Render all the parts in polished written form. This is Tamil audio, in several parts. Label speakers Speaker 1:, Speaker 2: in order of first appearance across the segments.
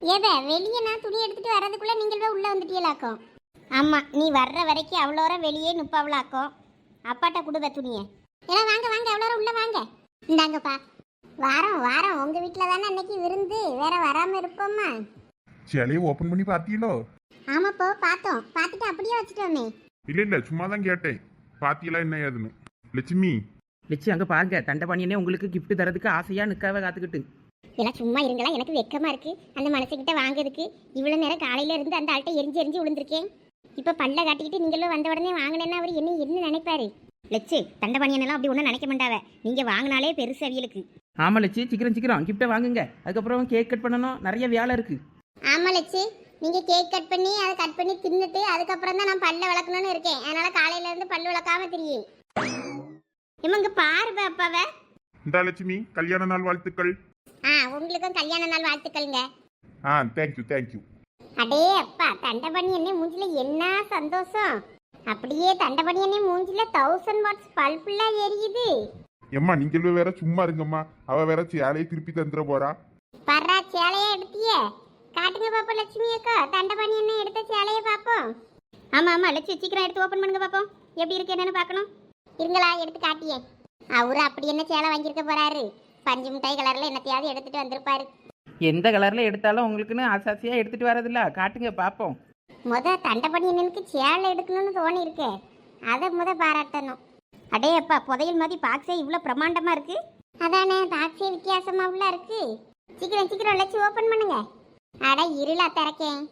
Speaker 1: ஏதா வெளியே நான் துணி எடுத்துட்டு வர்றதுக்குள்ள நீங்கள் உள்ள வந்துட்டீங்களாக்கும். ஆமா, நீ வர்ற வரைக்கும் அவ்வளோ வெளியே நுப்பாவளாக்கும். அப்பாட்ட கொடுவ துணியை. எல்லாம் வாங்க வாங்க, எவ்வளோ உள்ள வாங்க. இந்தாங்கப்பா. வாரம் வாரம் உங்க வீட்டில் தானே அன்னைக்கு விருந்து, வேற வராம இருப்போம்மா.
Speaker 2: சிலையை ஓபன் பண்ணி பாத்தீங்களோ?
Speaker 1: ஆமாப்போ பார்த்தோம், பார்த்துட்டு அப்படியே வச்சுட்டோமே.
Speaker 2: இல்ல சும்மா தான் கேட்டேன். பாத்தீங்களா என்ன ஏதுன்னு? லட்சுமி
Speaker 3: லட்சு அங்கே பாருங்க, தண்டபாணியனே உங்களுக்கு கிஃப்ட் தரதுக்கு ஆசையாக நிற்காவ காத்துக்கிட்டு.
Speaker 1: எல்லாம் சும்மா இருங்களா, எனக்கு வெக்கமா இருக்கு அந்த மனசுக்கிட்ட வாங்குறதுக்கு. இவ்வளோ நேரம் காலையில இருந்து அந்த ஆள்கிட்ட எரிஞ்சு எரிஞ்சு விழுந்திருக்கேன். இப்போ பல்ல காட்டிக்கிட்டு நீங்களும் வந்த உடனே வாங்கினேன்னா அவர் என்ன நினைப்பாரு? லட்சு, தண்டபாணியனெல்லாம் அப்படி ஒன்றும் நினைக்க மாட்டாவ. நீங்கள் வாங்கினாலே பெருசு அவியலுக்கு.
Speaker 3: ஆமாம் லட்சு, சீக்கிரம் சீக்கிரம் கிஃப்ட்டை வாங்குங்க. அதுக்கப்புறம் கேக் கட் பண்ணணும், நிறைய வேலை இருக்கு.
Speaker 1: ஆமா லட்சு, நீங்க கேக் கட் பண்ணி அதை கட் பண்ணி தின்னுட்டு அதுக்கப்புறம் தான் நான் பல்ல விளக்கணும்னு இருக்கேன். அதனால காலையில இருந்து பல்லு விளக்காம தெரியும். இவங்க பாரு அப்பாவ.
Speaker 2: இந்த லட்சுமி கல்யாண நாள் வாழ்த்துக்கள்.
Speaker 1: உங்களுக்கும் கல்யாண நாள் வாழ்த்துக்கள்ங்க.
Speaker 2: Thank you thank you.
Speaker 1: அடே அப்பா, தண்டபணி என்ன மூஞ்சில என்ன சந்தோஷம். அப்படியே தண்டபணி என்ன மூஞ்சில 1000 வாட்ஸ் பல்புலாம் எரியுது.
Speaker 2: எம்மா நீங்கள் வேற சும்மா இருங்கம்மா. அவ வேற சேலையை திருப்பி தந்துட போறா.
Speaker 1: பர்றா, சேலையை எடுத்தியே காட்டுங்க பாப்போம். லட்சுமி அக்கா, தண்டபணி என்ன எடுத்த சேலையை பாப்போம். ஆமா ஆமா லட்சுமி, சீக்கிரம் எடுத்து ஓபன் பண்ணுங்க பாப்போம். எப்படி இருக்கு என்னன்னு பார்க்கணும். இருங்களா, எடுத்து காட்டியே. அவரு அப்படி என்ன சேலை வாங்கியிருக்க போறாரு? பஞ்சு மிட்டாய் கலர்ல என்னத்தையாவது எடுத்துட்டு வந்திருப்பாரு.
Speaker 3: எந்த கலரில் எடுத்தாலும் உங்களுக்குன்னு ஆசாசியாக எடுத்துகிட்டு வரதில்ல, காட்டுங்க பார்ப்போம்.
Speaker 1: தண்டபணி என்னனுக்கு சேலை எடுக்கணும்னு தோணி இருக்கு. அதை பாராட்டணும். அடே அப்பா, புதையல் மாதிரி பாக்ஸே இவ்வளோ பிரமாண்டமா இருக்கு. அதானே, பாக்ஸே வித்தியாசமா உள்ள இருக்கு. சீக்கிரம் சீக்கிரம் லட்சு ஓபன் பண்ணுங்க. அட இருளா திறக்கேன்.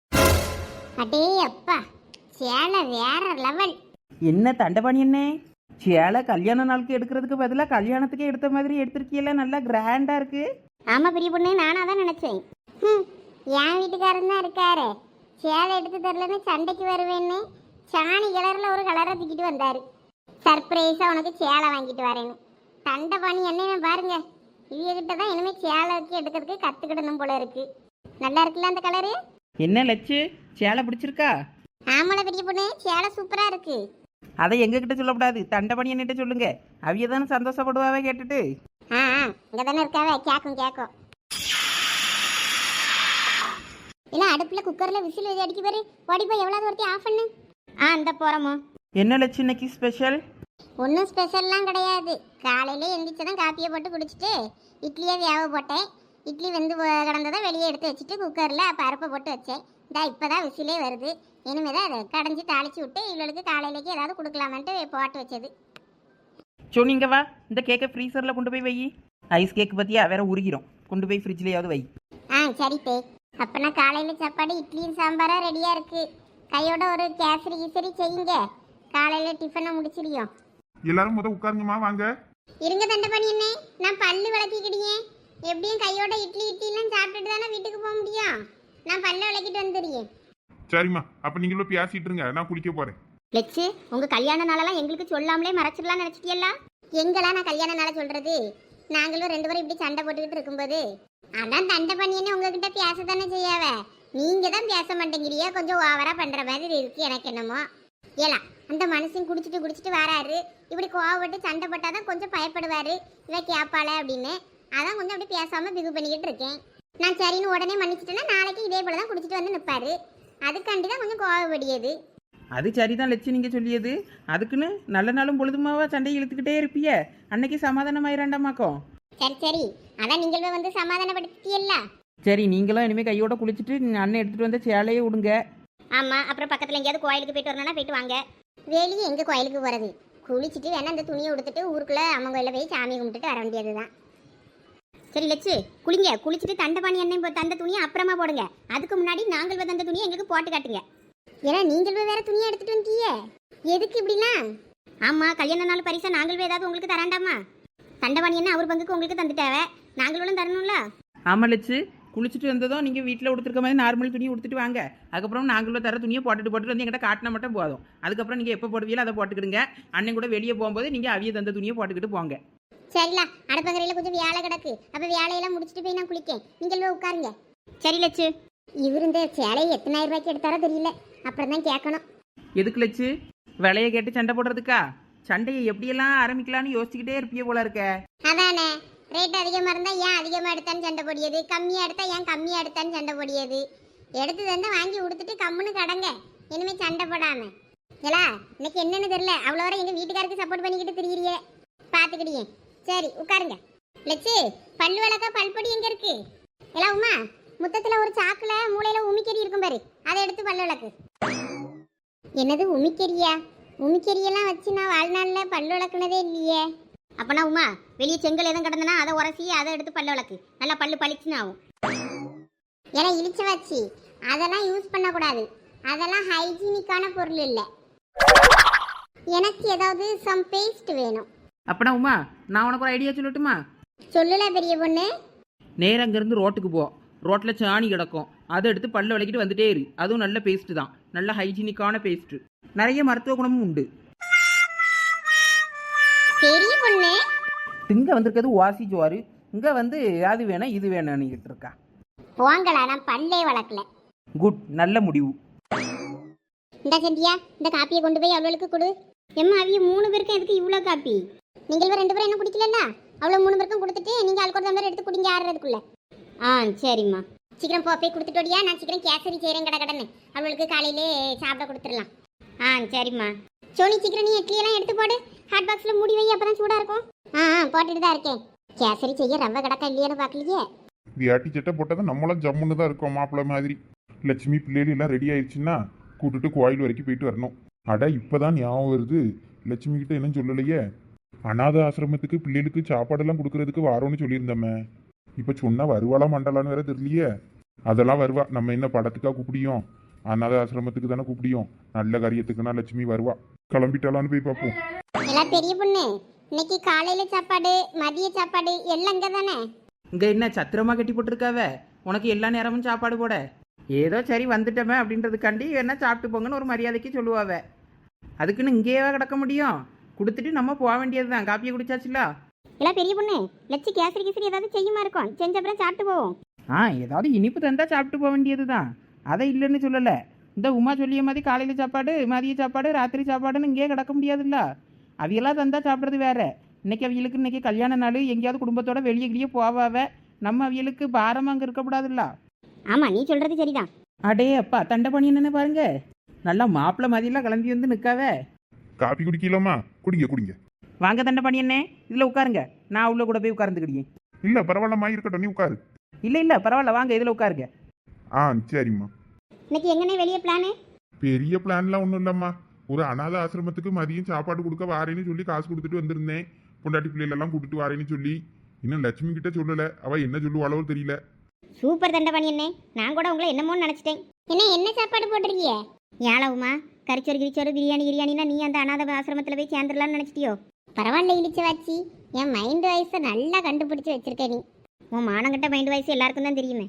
Speaker 1: அடே அப்பா, சேலை வேற லெவல்.
Speaker 3: என்ன தண்டபாணி என்ன சேலை கல்யாண நாளுக்கு எடுக்கிறதுக்கு பதிலாக கல்யாணத்துக்கு எடுத்த மாதிரி எடுத்திருக்கீங்களா? நல்லா கிராண்டாக இருக்கு.
Speaker 1: ஆமா பெரிய பொண்ணு, நானா தான் நினைச்சேன். என் வீட்டுக்காரன் தான் இருக்காரு. சேலை எடுத்து தரலன்னு சண்டைக்கு வருவேன்னு சாணி கலர்ல ஒரு கலரை தூக்கிட்டு வந்தாரு. சர்ப்ரைஸா உனக்கு சேலை வாங்கிட்டு வரேன்னு. தண்டபாணி என்ன பாருங்க, இவகிட்ட தான் இனிமே சேலை வச்சு எடுக்கிறதுக்கு கத்துக்கிடணும் போல இருக்கு. நல்லா இருக்குல்ல அந்த கலரு?
Speaker 3: என்ன லட்சு, சேலை பிடிச்சிருக்கா?
Speaker 1: ஆமால பெரிய பொண்ணு, சேலை சூப்பரா இருக்கு.
Speaker 3: அதை எங்ககிட்ட சொல்லக்கூடாது, தண்டபாணி என்னிட்ட சொல்லுங்க. அவிய தானே சந்தோஷப்படுவாவே கேட்டுட்டு.
Speaker 1: இங்க தானே இருக்காவே, கேக்கும். இல்ல அடுப்புல குக்கர்ல விசில் அடிக்க பாரு. ஓடி போய் எவ்வளவு ஒருத்தி ஆஃப் பண்ணு. அந்த போறோமோ.
Speaker 3: என்ன லட்சு இன்னைக்கு ஸ்பெஷல்?
Speaker 1: ஒன்றும் ஸ்பெஷல்லாம் கிடையாது. காலையில எந்திரிச்சதான் காப்பியை போட்டு குடிச்சிட்டு இட்லியை வேக போட்டேன். இட்லி வெந்து கிடந்ததை வெளியே எடுத்து வச்சுட்டு குக்கரில் பருப்பை போட்டு வச்சேன். இப்போதான் விசிலே வருது. இனிமேதான் அதை கடைஞ்சி தாளிச்சு விட்டு இவளுக்கு காலையிலேக்கு ஏதாவது கொடுக்கலாமன்ட்டு போட்டு வச்சது.
Speaker 3: சொன்னீங்க வா, இந்த கேக்கை ஃப்ரீசரில் கொண்டு போய் வை. ஐஸ் கேக் பற்றியா வேற உருகிறோம், கொண்டு போய் ஃப்ரிட்ஜ்லேயாவது வை.
Speaker 1: சரி பே. அப்போனா காலையில் சாப்பாடு இட்லியும் சாம்பாராக ரெடியாக இருக்கு. கையோட ஒரு கேசரி கீசரி செய்யுங்க, காலையில் டிஃபனை முடிச்சிடியும்.
Speaker 2: எல்லாரும் முத உட்காருங்கம்மா, வாங்க.
Speaker 1: இருங்க தண்டபாணி என்ன, நான் பல்லு விளக்கிக்கிடியே. எப்படியும் கையோட இட்லிலாம் சாப்பிட்டுட்டு தானே வீட்டுக்கு போக முடியும். நான் பல்ல விளக்கிட்டு வந்துடுறேன்.
Speaker 2: சரிம்மா, அப்ப நீங்களும் பேசிட்டு இருங்க, நான் குளிக்க போறேன்.
Speaker 1: லட்சு, உங்க கல்யாண நாளெல்லாம் எங்களுக்கு சொல்லாமலே மறைச்சிடலாம் நினைச்சிட்டியல்ல? எங்களா நான் கல்யாண நாளை சொல்றது? நாங்களும் 2 பேரும் இப்படி சண்டை போட்டுக்கிட்டு இருக்கும்போது அதான் தண்டபாணி என்ன உங்ககிட்ட பேச தானே செய்யாவ. நீங்க தான் பேச மாட்டேங்கிறியா, கொஞ்சம் ஓவரா பண்ற மாதிரி இருக்கு எனக்கு என்னமோ. ஏலா, அந்த மனுஷன் குடிச்சிட்டு வராரு. இப்படி கோவப்பட்டு சண்டை போட்டாதான் கொஞ்சம் பயப்படுவாரு. இவ கேப்பாள அப்படின்னு அதான் கொஞ்சம் அப்படி பேசாம பிகு பண்ணிக்கிட்டு இருக்கேன். நான் சரின்னு உடனே மன்னிச்சிட்டேன்னா நாளைக்கு இதே போல தான் குடிச்சிட்டு வந்து நிற்பாரு. அதுக்காண்டி தான் கொஞ்சம் கோவப்படியது.
Speaker 3: அது சரிதான் லட்சு, நீங்கள் சொல்லியது. அதுக்குன்னு நல்ல நாளும் பொழுதுமாவா சண்டையை இழுத்துக்கிட்டே இருப்பிய? அன்னைக்கு சமாதானமாயிராண்டாமாக்கோ.
Speaker 1: சரி, அதான் நீங்களும் வந்து சமாதானப்படுத்தியல்ல.
Speaker 3: சரி, நீங்களும் இனிமேல் கையோட குளிச்சுட்டு அண்ணன் எடுத்துகிட்டு வந்த சேலையை விடுங்க.
Speaker 1: ஆமாம், அப்புறம் பக்கத்தில் எங்கேயாவது கோயிலுக்கு போயிட்டு வரணும்னா போயிட்டு வாங்க. வெளியே எங்கே கோயிலுக்கு போகிறது? குளிச்சுட்டு வேணா அந்த துணியை உடுத்துட்டு ஊருக்குள்ளே அம்மன் கோயிலில் போய் சாமி கும்பிட்டுட்டு வர வேண்டியது தான். சரி லட்சு, குளிங்க. குளிச்சுட்டு தண்டபாணி எண்ணெய் தந்த துணியை அப்புறமா போடுங்க. அதுக்கு முன்னாடி நாங்கள் தந்த துணியை எங்களுக்கு போட்டு காட்டுங்க. ஏன்னா நீங்கள் வேற துணியை எடுத்துட்டு வந்தீங்க, எதுக்கு இப்படிலாம்? ஆமாம், கல்யாண நாள் பரிசா நாங்கள் ஏதாவது உங்களுக்கு தராண்டாமா? தண்டபாணி என்ன அவர் பங்குக்கு உங்களுக்கு தந்துட்டாவ, நாங்களும் தரணும்ல.
Speaker 3: ஆமாம் லட்சு, குளிச்சுட்டு வந்ததும் நீங்கள் வீட்டில் உடுத்துருக்க மாதிரி நார்மல் துணியை உடுத்துட்டு வாங்க. அதுக்கப்புறம் நாங்களும் தர துணியை போட்டுட்டு வந்து எங்கிட்ட காட்டினா மட்டும் போதும். அதுக்கப்புறம் நீங்கள் எப்போ போடுவீங்களோ அதை போட்டுக்கிடுங்க. அண்ணன் கூட வெளியே போகும்போது நீங்கள் அவிய தந்த துணியை போட்டுக்கிட்டு போங்க.
Speaker 1: சரிலா, அடுப்பங்கரையில் கொஞ்சம் வேலை கிடக்கு. அப்போ வேலையெல்லாம் முடிச்சுட்டு போய் நான் குளிக்கேன். நீங்கள் போய் உட்காருங்க. சரி லட்சு. இவர் இந்த சேலையை எத்தனாயிரம் ரூபாய்க்கு எடுத்தாரோ தெரியல, அப்புறம் தான் கேட்கணும்.
Speaker 3: எதுக்கு லட்சு, விலையை கேட்டு சண்டை போடுறதுக்கா? சண்டையை எப்படியெல்லாம் ஆரம்பிக்கலான்னு யோசிச்சுக்கிட்டே இருப்பிய போல இருக்க.
Speaker 1: அதானே, ரேட் அதிகமாக இருந்தால் ஏன் அதிகமாக எடுத்தான்னு சண்டை போடியது, கம்மியாக எடுத்தா ஏன் கம்மியாக எடுத்தான்னு சண்டை போடியது. எடுத்து தந்தால் வாங்கி கொடுத்துட்டு கம்முன்னு கடங்க, இனிமேல் சண்டை போடாம. ஏலா இன்னைக்கு என்னன்னு தெரியல, அவ்வளோ வரை எங்கள் வீட்டுக்காருக்கு சப்போர்ட் பண்ணிக்கிட்டு திரியிறியே, பார்த்துக்கிடியே. சரி உட்காருங்க. லட்சு பல்லு விளக்கா பல்பொடி எங்கே இருக்கு? எல்லாம் உமா முத்தத்தில் ஒரு சாக்கில் மூளையில் உமிக்கறி இருக்கும் பாரு, அதை எடுத்து பல்லு விளக்கு. என்னது உமிக்கறியா? உமிக்கறியெல்லாம் வச்சு நான் வாழ்நாளில் பல்லு விளக்குனதே இல்லையே. அப்பனா உமா வெளியே செங்கல் எதுவும் கிடந்தனா அதை உரசி அதை எடுத்து பல்லு விளக்கு, நல்லா பல்லு பளிச்சுன்னு ஆகும். ஏன்னா இழிச்ச வச்சு அதெல்லாம் யூஸ் பண்ணக்கூடாது, அதெல்லாம் ஹைஜீனிக்கான பொருள் இல்லை. எனக்கு ஏதாவது சம் பேஸ்ட் வேணும்.
Speaker 3: அப்பனா உமா நான் உனக்கு ஒரு ஐடியா சொல்லட்டுமா?
Speaker 1: சொல்லல பெரிய பொண்ணு.
Speaker 3: நேரம் அங்கேருந்து ரோட்டுக்கு போ, ரோட்டில் சாணி கிடக்கும், அதை எடுத்து பல்ல விளக்கிட்டு வந்துட்டே இரு. அதுவும் நல்ல பேஸ்ட்டு தான், நல்ல ஹைஜீனிக்கான பேஸ்ட்டு, நிறைய மருத்துவ குணமும் உண்டு.
Speaker 1: பெரிய பொண்ணு
Speaker 3: இங்கே வந்திருக்கிறது வாசி ஜோறு, இங்கே வந்து அது வேணும் இது வேணும்னுக்கிட்டு இருக்கா.
Speaker 1: போங்களா, நான் பல்லே வளர்க்கல.
Speaker 3: குட், நல்ல முடிவு.
Speaker 1: இந்த சந்தியா இந்த காப்பியை கொண்டு போய் அவளுக்கு கொடு. எம்மா அவிய 3 பேருக்கும் எதுக்கு இவ்வளோ காப்பி? நீங்கள் 2 பேரும் என்ன குடிக்கலல்ல, அவ்வளோ 3 பேருக்கும் கொடுத்துட்டு நீங்கள் ஆளுக்கு ஒரு டம்ளர் எடுத்து குடிங்க ஆடுறதுக்குள்ள. சரிம்மா சீக்கிரம் போய் கொடுத்துட்டு ஓடியா, நான் சீக்கிரம் கேசரி செய்கிறேன் கடன்னு அவளுக்கு காலையிலே சாப்பிட கொடுத்துடலாம். சரிம்மா. சோனி சீக்கிரம் நீ இட்லியெல்லாம் எடுத்து போடு, ஹாட் பாக்ஸில் மூடி வை, அப்போ தான் சூடாக இருக்கும். போட்டுட்டு தான் இருக்கேன். கேசரி செய்ய ரவை கிடக்கா இல்லையான்னு பார்க்கலையே.
Speaker 2: வியாட்டி சட்டை போட்டால் நம்மளாம் ஜம்முன்னு தான் இருக்கோம் மாப்பிள்ளை மாதிரி. லட்சுமி பிள்ளைகள் எல்லாம் ரெடி ஆயிடுச்சுன்னா கூட்டுட்டு கோயில் வரைக்கும் போயிட்டு வரணும். அட இப்போதான் ஞாபகம் வருது, லட்சுமி கிட்ட என்ன சொல்லலையே, அநாத ஆசிரமத்துக்கு பிள்ளைகளுக்கு சாப்பாடெல்லாம் கொடுக்கறதுக்கு வரோன்னு சொல்லியிருந்தோமே. இப்போ சொன்னா வருவாளா மண்டலான்னு வேற தெரியலையே. அதெல்லாம் வருவா, நம்ம என்ன படத்துக்காக கூப்பிடியோம், அநாத ஆசிரமத்துக்கு தானே கூப்பிடியோம், நல்ல காரியத்துக்குன்னா லட்சுமி வருவா. கிளம்பிட்டாலான்னு போய் பார்ப்போம்.
Speaker 1: எல்லாம் பெரிய பொண்ணு இன்னைக்கு காலையில சாப்பாடு மதிய சாப்பாடு எல்லாம் இங்கே தானே?
Speaker 3: இங்கே என்ன சத்திரமா கட்டி போட்டிருக்காவ உனக்கு எல்லா நேரமும் சாப்பாடு போட? ஏதோ சரி வந்துட்டோமே அப்படின்றதுக்காண்டி என்ன சாப்பிட்டு போங்கன்னு ஒரு மரியாதைக்கு சொல்லுவாவ. அதுக்குன்னு இங்கேயே கிடக்க முடியும்? கொடுத்துட்டு நம்ம போக வேண்டியது தான். காப்பியை குடிச்சாச்சுல.
Speaker 1: எல்லாம் பெரிய பொண்ணு லட்சு கேசரி கேசரி ஏதாவது செய்யுமா இருக்கும், செஞ்ச அப்புறம் சாப்பிட்டு போவோம்.
Speaker 3: ஏதாவது இனிப்பு தந்தா சாப்பிட்டு போக வேண்டியது தான், அதை இல்லைன்னு சொல்லலை. இந்த உமா சொல்லிய மாதிரி காலையில் சாப்பாடு மதிய சாப்பாடு ராத்திரி சாப்பாடுன்னு இங்கேயே கிடக்க முடியாதுல்ல. அவையெல்லாம் தந்தா சாப்பிட்றது வேற. இன்னைக்கு அவியலுக்கு இன்னைக்கு கல்யாண நாள், எங்கேயாவது குடும்பத்தோட வெளியே கிளியே போவாவ, நம்ம அவியலுக்கு பாரமாக அங்கே இருக்கக்கூடாதுல்ல.
Speaker 1: ஆமாம் நீ சொல்கிறது சரிதான்.
Speaker 3: அடே அப்பா தண்டை பண்ணி என்னன்னு பாருங்க, நல்லா மாப்பிள்ளை மாதிரிலாம் கிளம்பி வந்து நிற்காவ.
Speaker 2: காப்பி குடிக்கலாமா? குடிங்க குடிங்க.
Speaker 3: வாங்க தண்டை பண்ணி என்ன, இதில் உட்காருங்க, நான் உள்ள கூட போய் உட்கார்ந்துக்கிடியே.
Speaker 2: இல்லை பரவாயில்லம்மா, இருக்கட்டும், நீ உட்காரு.
Speaker 3: இல்லை பரவாயில்ல, வாங்க இதில் உட்காருங்க.
Speaker 2: சரிம்மா.
Speaker 1: இன்னைக்கு எங்கனே வெளியே பிளானு?
Speaker 2: பெரிய பிளான்லாம் ஒன்றும் இல்லைம்மா, ஒரு அநாத ஆசிரமத்துக்கு மதியம் சாப்பாடு கொடுக்க வாரேன்னு சொல்லி காசு கொடுத்துட்டு வந்திருந்தேன். பொண்டாட்டி பிள்ளைகளெல்லாம் கூட்டிட்டு வாரேன்னு சொல்லி. இன்னும் லட்சுமி கிட்ட சொல்லலை, அவள் என்ன சொல்லுவாளோ தெரியல.
Speaker 1: சூப்பர் தண்டை பண்ணி என்ன, நான் கூட உங்களை என்னமோன்னு நினச்சிட்டேன். என்ன சாப்பாடு போட்டிருக்கிய? ஏழவுமா கறிச்சோறு கிரிச்சோறு பிரியாணி கிரியாணினா நீ அந்த அநாத ஆசிரமத்தில் போய் சேர்ந்துடலான்னு நினச்சிட்டியோ? பரவாயில்ல இழிச்ச வாச்சி, என் மைண்ட் வாய்ஸை நல்லா கண்டுபிடிச்சி வச்சிருக்க நீ. உன் மானங்கிட்ட மைண்ட் வாய்ஸ் எல்லாருக்கும் தான் தெரியுமே.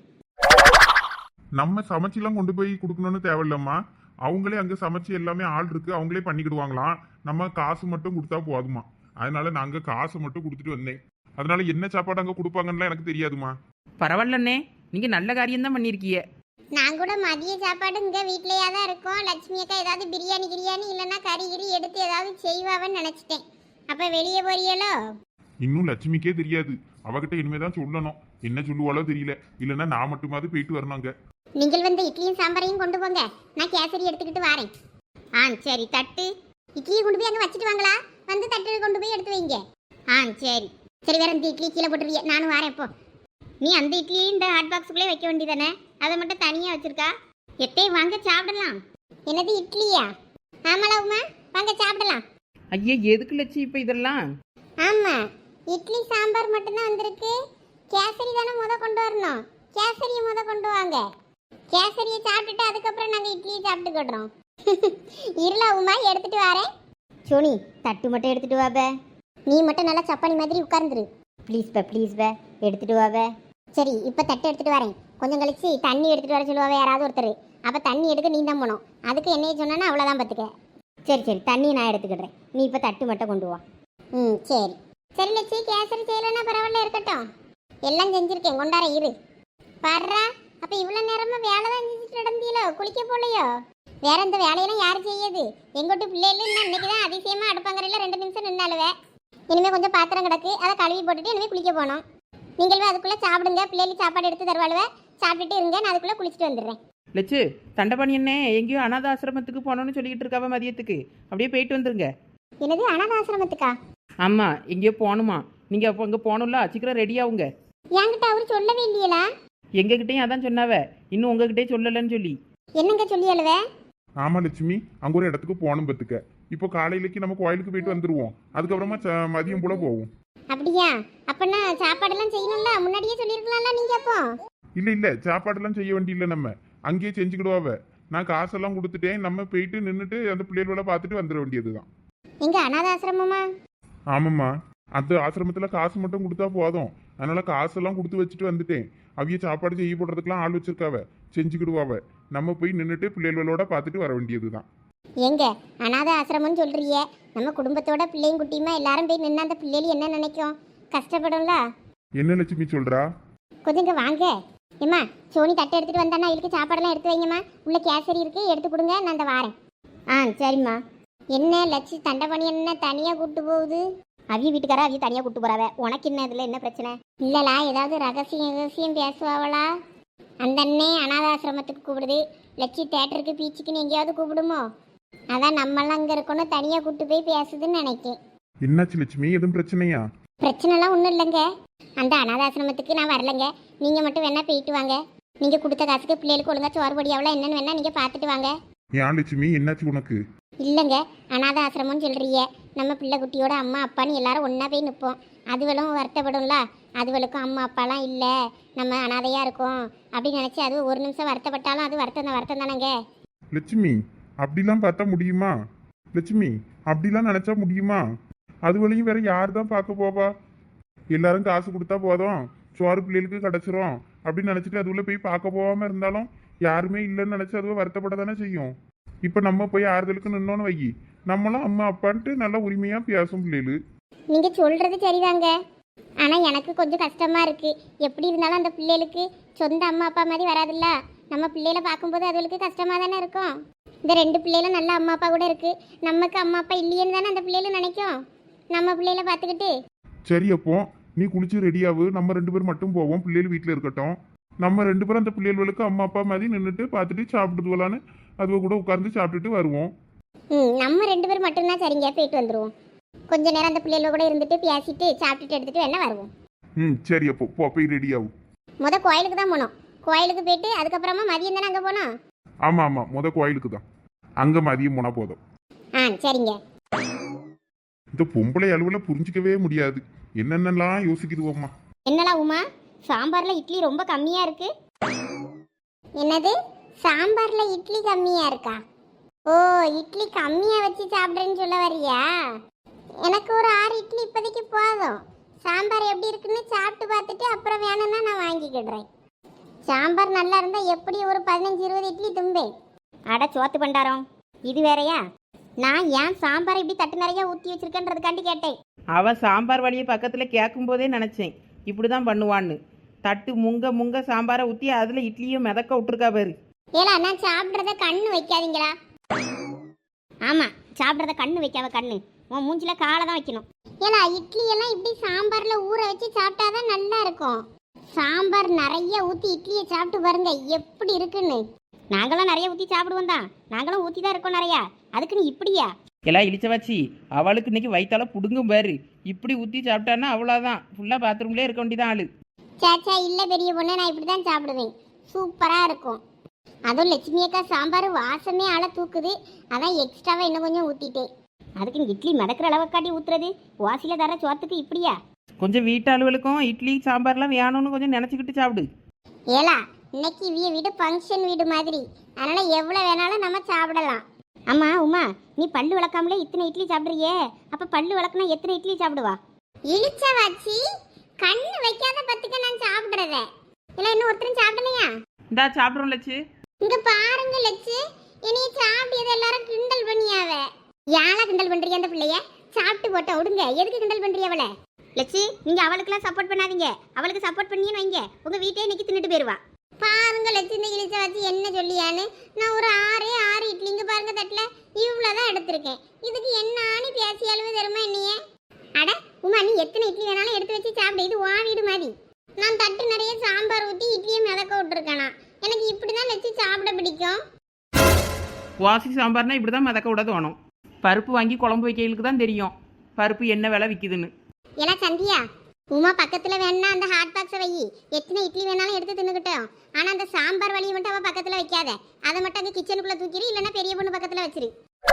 Speaker 2: நம்ம சமைச்செல்லாம் கொண்டு போய் கொடுக்கணும்னு தேவையில்லம்மா, அவங்களே அங்கே சமைச்சு எல்லாமே ஆள் இருக்கு, அவங்களே பண்ணிக்கிடுவாங்களாம். நம்ம காசு மட்டும் கொடுத்தா போதுமா. அதனால நாங்கள் காசு மட்டும் கொடுத்துட்டு வந்தேன். அதனால என்ன சாப்பாடு அங்கே கொடுப்பாங்கன்னு எனக்கு தெரியாதுமா.
Speaker 3: பரவாயில்லண்ணே, நீங்கள் நல்ல காரியம்தான் பண்ணியிருக்கீங்க.
Speaker 1: நான் கூட மதிய சாப்பாடு இங்கே வீட்லேயே தான் இருக்கோம். லட்சுமி அக்கா ஏதாவது பிரியாணி கிரியாணி இல்லைன்னா கறி கிரி எடுத்து ஏதாவது செய்வாவன்னு நினச்சிட்டேன். அப்போ வெளியே போறியலோ?
Speaker 2: இன்னும் லட்சுமிக்கே தெரியாது, அவகிட்ட இனிமேதான் சொல்லணும். என்ன சொல்லுவாளோ தெரியல, இல்லைன்னா நான் மட்டுமாவது போயிட்டு வரணுங்க.
Speaker 1: நீங்கள் வந்து இட்லியும் சாம்பாரையும் கொண்டு போங்க, நான் கேசரி எடுத்துக்கிட்டு வரேன். சரி. தட்டு இட்லியை கொண்டு போய் அங்கே வச்சுட்டு வாங்களா, வந்து தட்டு கொண்டு போய் எடுத்து வைங்க. சரி சரி. வேற இந்த இட்லி கீழே போட்டுருவிய, நானும் வரேன். இப்போ நீ அந்த இட்லி இந்த ஹாட் பாக்ஸுக்குள்ளே வைக்க வேண்டியதானே, அதை மட்டும் தனியாக வச்சிருக்கா. எட்டையும் வாங்க சாப்பிடலாம். என்னது இட்லியா? ஆமாலாவுமா வாங்க சாப்பிடலாம்.
Speaker 3: ஐயா எதுக்கு லட்சி இப்போ இதெல்லாம்?
Speaker 1: ஆமாம் இட்லி சாம்பார் மட்டும்தான் வந்திருக்கு. கேசரி தானே கொண்டு வரணும், கேசரியை கொண்டு வாங்க. கேசரியை சாப்பிட்டுட்டு அதுக்கப்புறம் நாங்கள் இட்லியை சாப்பிட்டுக்கிடுறோம். இருளா உமா எடுத்துட்டு வரேன். சோனி தட்டு மட்டும் எடுத்துட்டு வாப, நீ மட்டும் நல்லா சப்பானி மாதிரி உட்கார்ந்துரு. ப்ளீஸ் பே எடுத்துட்டு வாப. சரி இப்போ தட்டு எடுத்துட்டு வரேன். கொஞ்சம் கழிச்சு தண்ணி எடுத்துட்டு வர சொல்லுவாவே யாராவது ஒருத்தர். அப்போ தண்ணி எடுக்க நீ தான் போனோம், அதுக்கு என்னைய சொன்னா அவ்வளோதான் பார்த்துக்க. சரி தண்ணி நான் எடுத்துக்கிடுறேன், நீ இப்போ தட்டு மட்டும் கொண்டு வா. சரி சரி லட்சி, கேசரி செய்யலைன்னா பரவாயில்ல இருக்கட்டும், எல்லாம் செஞ்சுருக்கேன் கொண்டார இரு. பர்றா அப்போ இவ்வளோ நேரமாக வேலை தான் செஞ்சுட்டு நடந்தீங்களோ, குளிக்க போலையோ? வேற இந்த வேலையெல்லாம் யார் செய்யுது? எங்கோட்டு பிள்ளைகளும் இன்னைக்கு தான் அதிசயமாக அடுப்பங்கரையில் 2 நிமிஷம் நின்னாலுவே. இனிமே கொஞ்சம் பாத்திரம் கிடக்கு, அதை கழுவி போட்டுட்டு இனிமே குளிக்க போகணும். நீங்களும் அதுக்குள்ள சாப்பிடுங்க, பிள்ளைகளுக்கு சாப்பாடு எடுத்து தருவாளுவ, சாப்பிட்டுட்டு இருங்க, நான் அதுக்குள்ள குளிச்சுட்டு வந்துடுறேன்.
Speaker 3: லட்சு தண்டபாணி என்ன எங்கேயோ அனாத ஆசிரமத்துக்கு போகணும்னு சொல்லிக்கிட்டு இருக்காவ மதியத்துக்கு, அப்படியே போயிட்டு வந்துருங்க.
Speaker 1: என்னது, அனாத ஆசிரமத்துக்கா?
Speaker 3: ஆமாம், எங்கேயோ போகணுமா, நீங்கள் அப்போ அங்கே போகணும்ல, சீக்கிரம் ரெடி ஆகுங்க.
Speaker 1: என்கிட்ட அவரு சொல்லவே இல்லையலா?
Speaker 3: எங்ககிட்டயும் அதான் சொன்னாவ, இன்னும் உங்ககிட்டே சொல்லலைன்னு சொல்லி.
Speaker 1: என்னங்க சொல்லி அழுவ?
Speaker 2: ஆமா லட்சுமி, அங்க ஒரு இடத்துக்கு போகணும் பத்துக்க. இப்போ காலையிலக்கு நம்ம கோயிலுக்கு போயிட்டு வந்துருவோம், அதுக்கப்புறமா மதியம் போல போவோம்.
Speaker 1: அப்படியா? அப்பனா சாப்பாடெல்லாம் செய்யணும்ல, முன்னாடியே சொல்லியிருக்கலாம்ல நீங்க. அப்போ
Speaker 2: இல்ல சாப்பாடெல்லாம் செய்ய வேண்டியில்லை, நம்ம அங்கேயே செஞ்சுக்கிடுவாவ. நான் காசெல்லாம் கொடுத்துட்டேன், நம்ம போயிட்டு நின்றுட்டு அந்த பிள்ளைகளோட பார்த்துட்டு வந்துட வேண்டியதுதான்.
Speaker 1: எங்க அனாத ஆசிரமமா?
Speaker 2: ஆமாம்மா, அந்த ஆசிரமத்துல காசு மட்டும் கொடுத்தா போதும். அதனால காசெல்லாம் கொடுத்து வச்சுட்டு வந்துட்டேன். அவிய சாப்பாடு செய்ய போடுறதுக்கெல்லாம் ஆள் வச்சிருக்காவ, செஞ்சுக்கிடுவாவ. நம்ம போய் நின்றுட்டு பிள்ளைகளோட பார்த்துட்டு வர வேண்டியதுதான்.
Speaker 1: எங்க அனாத ஆசிரமம்னு சொல்றிய, நம்ம குடும்பத்தோட பிள்ளையும் குட்டியுமா எல்லாரும் போய் நின்று அந்த பிள்ளைகள் என்ன நினைக்கும்? கஷ்டப்படும்ல.
Speaker 2: என்ன லட்சுமி சொல்றா?
Speaker 1: கொஞ்சம் இங்க வாங்க. ஏம்மா, சோனி தட்டை எடுத்துட்டு வந்தானா, அவளுக்கு சாப்பாடெல்லாம் எடுத்து வைங்கம்மா. உள்ள கேசரி இருக்கு, எடுத்து கொடுங்க, நான் அந்த வாரேன். சரிம்மா. என்ன லட்சு தண்டபாணி என்ன தனியா கூட்டு போகுது? அவிய வீட்டுக்காரா அவிய தனியா கூட்டு போறாவ, உனக்கு என்ன இதுல என்ன பிரச்சனை? இல்லலா, ஏதாவது ரகசியம் பேசுவாவளா? அந்த அண்ணே அனாதாசிரமத்துக்கு கூப்பிடுது, லட்சி தேட்டருக்கு பீச்சுக்குன்னு எங்கேயாவது கூப்பிடுமோ? அதான் நம்மளாம் அங்கே இருக்கணும், தனியாக கூட்டு போய் பேசுதுன்னு நினைக்கேன்.
Speaker 2: என்னாச்சு லட்சுமி, எதுவும் பிரச்சனையா?
Speaker 1: பிரச்சனைலாம் ஒன்றும் இல்லைங்க. அந்த அனாதாசிரமத்துக்கு நான் வரலைங்க, நீங்கள் மட்டும் வேணா போயிட்டு வாங்க. நீங்கள் கொடுத்த காசுக்கு பிள்ளைகளுக்கு ஒழுங்கா சோறு பொடியாவளா என்னன்னு வேணா நீங்கள் பார்த்துட்டு வாங்க.
Speaker 2: ஏன் லட்சுமி, என்னாச்சு உனக்கு?
Speaker 1: இல்லைங்க, அனாத ஆசிரமம்னு சொல்றிய, நம்ம பிள்ளை குட்டியோட அம்மா அப்பான்னு எல்லாரும் ஒன்றா போய் நிற்போம். அதுவளும் வருத்தப்படும்ல, அதுவளுக்கும் அம்மா அப்பாலாம் இல்லை, நம்ம அனாதையாக இருக்கோம் அப்படின்னு நினச்சி அது ஒரு நிமிஷம் வருத்தப்பட்டாலும் அது வருத்தம் தானேங்க.
Speaker 2: லட்சுமி, அப்படிலாம் பார்த்தா முடியுமா? லட்சுமி, அப்படிலாம் நினைச்சா முடியுமா? அது வழியும் வேற யார் தான் பார்க்க போவா? எல்லாரும் காசு கொடுத்தா போதும், சோறு பிள்ளைகளுக்கு கிடச்சிரும் அப்படின்னு நினச்சிட்டு அதுக்குள்ள போய் பார்க்க போகாம இருந்தாலும் யாருமே இல்லைன்னு நினச்சி அதுவும் வருத்தப்பட தானே செய்யும். இப்போ நம்ம போய் ஆறுதலுக்கு நின்னோன்னு வை, நம்மளும் அம்மா அப்பான்ட்டு நல்லா உரிமையாக பேசும் பிள்ளைகள்.
Speaker 1: நீங்கள் சொல்கிறது சரிதாங்க, ஆனால் எனக்கு கொஞ்சம் கஷ்டமாக இருக்குது. எப்படி இருந்தாலும் அந்த பிள்ளைகளுக்கு சொந்த அம்மா அப்பா மாதிரி வராதுல்ல. நம்ம பிள்ளைகளை பார்க்கும்போது அதுகளுக்கு கஷ்டமாக தானே இருக்கும். இந்த 2 பிள்ளைகளும் நல்ல அம்மா அப்பா கூட இருக்குது, நமக்கு அம்மா அப்பா இல்லையேன்னு தானே அந்த பிள்ளைகளும் நினைக்கும். நம்ம பிள்ளைகளை பார்த்துக்கிட்டு.
Speaker 2: சரி, அப்போ நீ குளிச்சு ரெடியாகு, நம்ம 2 பேர் மட்டும் போவோம், பிள்ளைகள் வீட்டில் இருக்கட்டும். நம்ம 2 பேரும் அந்த பிள்ளைகளுக்கு அம்மா அப்பா மாதிரி நின்றுட்டு பார்த்துட்டு சாப்பிட்டுட்டு வரலான்னு அதுவ கூட உட்கார்ந்து சாப்பிட்டுட்டு வருவோம்.
Speaker 1: நம்ம 2 பேர் மட்டும்தான் சரிங்க, போயிட்டு வந்துடுவோம். கொஞ்ச நேரம் அந்த பிள்ளைகள கூட இருந்துட்டு பேசிட்டு சாப்பிட்டுட்டு எடுத்துட்டு வேணா வருவோம்.
Speaker 2: சரி, அப்போ போய் ரெடியாகும்.
Speaker 1: கோயிலுக்கு தான் போனோம், கோயிலுக்கு போயிட்டு அதுக்கப்புறமா மதியம் தானே அங்கே போனோம்.
Speaker 2: ஆமா, கோயிலுக்கு தான், அங்க மதியம் போனா போதும்.
Speaker 1: சரிங்க.
Speaker 2: இந்த பொம்பளை அளவுல புரிஞ்சிக்கவே முடியாது, என்னென்னலாம் யோசிக்குதுவோம்மா.
Speaker 1: என்னலாம் உமா, சாம்பார்ல இட்லி ரொம்ப கம்மியா இருக்கு? என்னது, சாம்பார்ல இட்லி கம்மியா இருக்கா? ஓ, இட்லி கம்மியா வச்சு சாப்பிட்றேன்னு சொல்ல வரியா? எனக்கு ஒரு 6 இட்லி இப்போதைக்கு போதும். சாம்பார் எப்படி இருக்குன்னு சாப்பிட்டு பார்த்துட்டு அப்புறம் வேணும்னா நான் வாங்கிக்கிடுறேன். சாம்பார் நல்லா இருந்தா எப்படி ஒரு 15-20 இட்லி தும்பேன். அட சோத்து பண்டாரம், இது வேறையா? நான் ஏன் சாம்பாரை இப்படி தட்டு நிறைய ஊற்றி வச்சிருக்கேன்றதுக்காண்டி கேட்டேன்.
Speaker 3: அவன் சாம்பார் வழியை பக்கத்தில் கேட்கும் போதே நினச்சேன் இப்படி தான் பண்ணுவான்னு. தட்டு முங்க சாம்பாரை ஊற்றி அதில் இட்லியும் மிதக்க விட்டுருக்கா பாரு.
Speaker 1: ஏலா, நான் சாப்பிட்றத கண்ணு வைக்காதீங்களா? ஆமாம், சாப்பிட்றத கண்ணு வைக்காத, கண்ணு உன் மூஞ்சில காலை தான் வைக்கணும். ஏலா, இட்லி எல்லாம் இப்படி சாம்பார்ல ஊற வச்சு சாப்பிட்டாதான் நல்லா இருக்கும். சாம்பார் நிறைய ஊற்றி இட்லியை சாப்பிட்டு பாருங்க எப்படி இருக்குன்னு. நாங்களும் நிறைய ஊற்றி சாப்பிடுவோம் தான், நாங்களும் ஊற்றி தான் இருக்கோம் நிறையா, அதுக்குன்னு இப்படியா?
Speaker 3: எல்லாம் இழிச்ச வச்சு அவளுக்கு இன்னைக்கு வயிற்றால புடுங்கும் பாரு. இப்படி ஊற்றி சாப்பிட்டான்னா அவ்வளோதான், ஃபுல்லாக பாத்ரூம்லேயே இருக்க வேண்டியதான் ஆளு.
Speaker 1: சேச்சா இல்லை பெரிய பொண்ணு, நான் இப்படி தான் சாப்பிடுவேன், சூப்பராக இருக்கும். அதுவும் லட்சுமி அக்கா சாம்பார் வாசமே ஆளை தூக்குது, அதான் எக்ஸ்ட்ராவாக இன்னும் கொஞ்சம் ஊற்றிட்டேன். அதுக்கு இட்லி மிதக்கிற அளவை காட்டி ஊற்றுறது, வாசியில் தர சோத்துக்கு இப்படியா?
Speaker 3: கொஞ்சம் வீட்டு அலுவலுக்கும் இட்லி சாம்பார்லாம் வேணும்னு கொஞ்சம் நினச்சிக்கிட்டு சாப்பிடு.
Speaker 1: ஏலா, இன்னைக்கு வீடு ஃபங்க்ஷன் வீடு மாதிரி, அதனால எவ்வளோ வேணாலும் நம்ம சாப்பிடலாம். அம்மா உமா, நீ பல்லு விளக்காமலே இத்தனை இட்லி சாப்பிட்றியே, அப்போ பல்லு விளக்குனா எத்தனை இட்லி சாப்பிடுவா? இழிச்ச வாச்சி, கண்ணு வைக்காத பத்துக்க நான் சாப்பிட்றத. இல்லை இன்னும் ஒருத்தரும் சாப்பிடலையா?
Speaker 3: இந்தா சாப்பிட்றோம் லட்சு.
Speaker 1: இங்க பாருங்க லட்சு, இனி சாப்பிட்டது எல்லாரும் கிண்டல் பண்ணியாவ. யாரா கிண்டல் பண்றீங்க அந்த பிள்ளைய? சாப்பிட்டு போட்ட விடுங்க, எதுக்கு கிண்டல் பண்றீங்க அவளை? லட்சு, நீங்க அவளுக்குலாம் சப்போர்ட் பண்ணாதீங்க, அவளுக்கு சப்போர்ட் பண்ணின்னு வைங்க, உங்க வீட்டையே இன்னைக்கு தின்னுட்டு போயிருவா. பாருங்க லட்சு, இந்த இழிச்ச வச்சு என்ன சொல்லியான்னு. நான் ஒரு 6 இட்லிங்க பாருங்க தட்டுல இவ்வளவுதான் எடுத்திருக்கேன், இதுக்கு என்ன ஆணி பேசியாலுமே தருமா என்னைய? அட உமா நீ எத்தனை இட்லி வேணாலும் எடுத்து வச்சு சாப்பிடு, இது உன் வீடு மாதிரி. நான் தட்டு நிறைய சாம்பார் ஊற்றி இட்லியை மிதக்க விட்டுருக்கேனா, எனக்கு இப்படிதான் வச்சு சாப்பிட பிடிக்கும்.
Speaker 3: வாசி சாம்பார்னா இப்படி தான் மிதக்க விட தோணும். பருப்பு வாங்கி குழம்பு வைக்கிறதுக்கு தான் தெரியும் பருப்பு என்ன விலை விற்கிதுன்னு.
Speaker 1: எல்லாம் சந்தியா, உமா பக்கத்துல வேணா அந்த ஹாட் பாக்ஸை வை, எத்தனை இட்லி வேணாலும் எடுத்து தின்னுக்கிட்டோம். ஆனா அந்த சாம்பார் வழியை மட்டும் அவ பக்கத்துல வைக்காத, அதை மட்டும் அங்க கிச்சனுக்குள்ள தூக்கிடு, இல்லைன்னா பெரிய பொண்ணு பக்கத்துல வச்சிரு.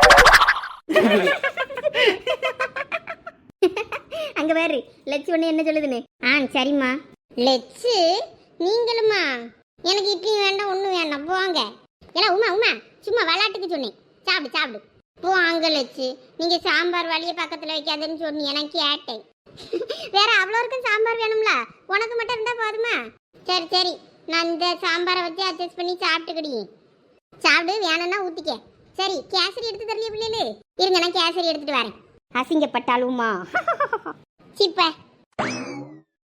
Speaker 1: அங்க பாரு லட்சு ஒண்ணு என்ன சொல்லுதுன்னு. சரிம்மா. லட்சு நீங்களுமா? எனக்கு இட்லி வேண்டாம், ஒண்ணு வேண்டாம், போங்க. ஏன்னா உமா உமா சும்மா விளையாட்டுக்கு சொன்னேன், சாப்பிடு சாப்பிடு. போங்க லட்சு, நீங்க சாம்பார் வழியை பக்கத்துல வைக்காதுன்னு சொன்னீங்க, நான் கேட்டேன். வேற அவ்வளோருக்கும் சாம்பார் வேணும்ல, உனக்கு மட்டும் இருந்தா போதுமா? சரி சரி, நான் இந்த சாம்பாரை வச்சு அட்ஜஸ்ட் பண்ணி சாப்பிட்டுக்கிடி. சாப்பிடு, வேணும்னா ஊத்திக்க. சரி, கேசரி எடுத்து தரலையே பிள்ளைகளு? இருங்க, நான் கேசரி எடுத்துட்டு வரேன். அசிங்கப்பட்டாலுமா சிப்ப